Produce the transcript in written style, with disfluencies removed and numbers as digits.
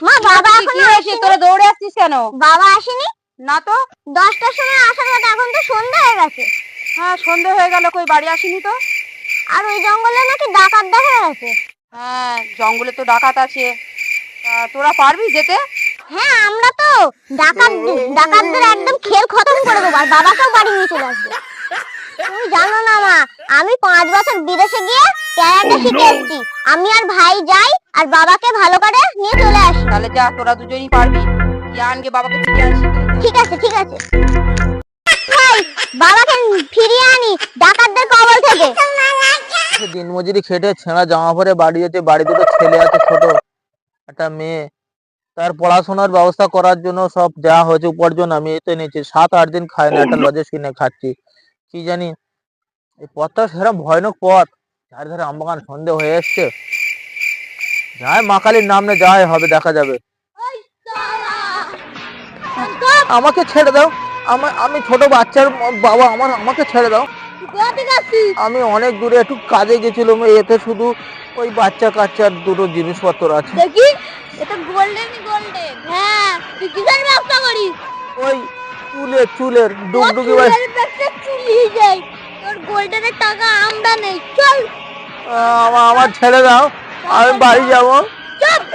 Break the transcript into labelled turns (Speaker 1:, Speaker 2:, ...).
Speaker 1: মা বাবা এখনো
Speaker 2: আসেনি। তোরা দৌড়ে আসছিস কেন?
Speaker 1: বাবা আসেনি
Speaker 2: না তো।
Speaker 1: 10টার সময় আসার কথা, এখন তো সন্ধ্যা হয়ে গেছে।
Speaker 2: হ্যাঁ, সন্ধে হয়ে গেল, কই বাড়ি আসেনি তো।
Speaker 1: আর ওই জঙ্গলে নাকি ডাকাত দেখা গেছে।
Speaker 2: হ্যাঁ, জঙ্গলে তো ডাকাত আছে। তোরা পারবি যেতে?
Speaker 1: হ্যাঁ, আমরা তো ডাকাতদের একদম খেল খতম করে দেবো, আর বাবাকেও বাড়ি নিয়ে চলে আসবো। তুমি জানো না মা, আমি 5 বছর বিদেশে গিয়ে ক্যারাটে শিখে এসেছি। আমি আর ভাই যাই আর বাবাকে ভালো করে নিয়ে চলে আসি।
Speaker 2: তাহলে যা, তোরা দুজনই পারবি। ইয়ানকে বাবাকে ফিরিয়ে আনছি।
Speaker 1: ঠিক আছে ঠিক আছে, ভাই বাবাকে ফিরিয়ে আনি ডাকাতদের কবল থেকে।
Speaker 3: দিনমজুরি খেটে ছেঁড়া জামা পরে বাড়ি যেতে, বাড়ি দুটো ছেলে আছে, ছোট একটা মেয়ে। তার পড়াশোনার ব্যবস্থা করার জন্য সব যা হয়েছে উপার্জন আমি এতে নিয়েছি। 7-8 দিন খাই না, একটা লজে কিনে খাচ্ছি। কি জানি এই পথটা সেরকম ভয়ানক পথ, চারিধারে আমবাগান, সন্ধে হয়ে এসছে। যাই মা কালীর নাম নে, যাই হবে দেখা যাবে। আমাকে ছেড়ে দাও, আমি ছোট বাচ্চার বাবা, আমাকে ছেড়ে দাও। আমি অনেক দূরে একটু কাজে গেছিলাম, এতে শুধু ওই বাচ্চা কাচ্চার দুটো জিনিসপত্র আছে।
Speaker 1: দেখি এটা গোল্ডেন। হ্যাঁ, তুই কিসের ব্যবসা করিস?
Speaker 3: ওই চুলের ডুগডুগি ভাই।
Speaker 1: চুলি যাই, তোর গোল্ডেনের টাকা আমরা নেই, চল।
Speaker 3: আমার ছেড়ে দাও, আমি বাড়ি যাবো।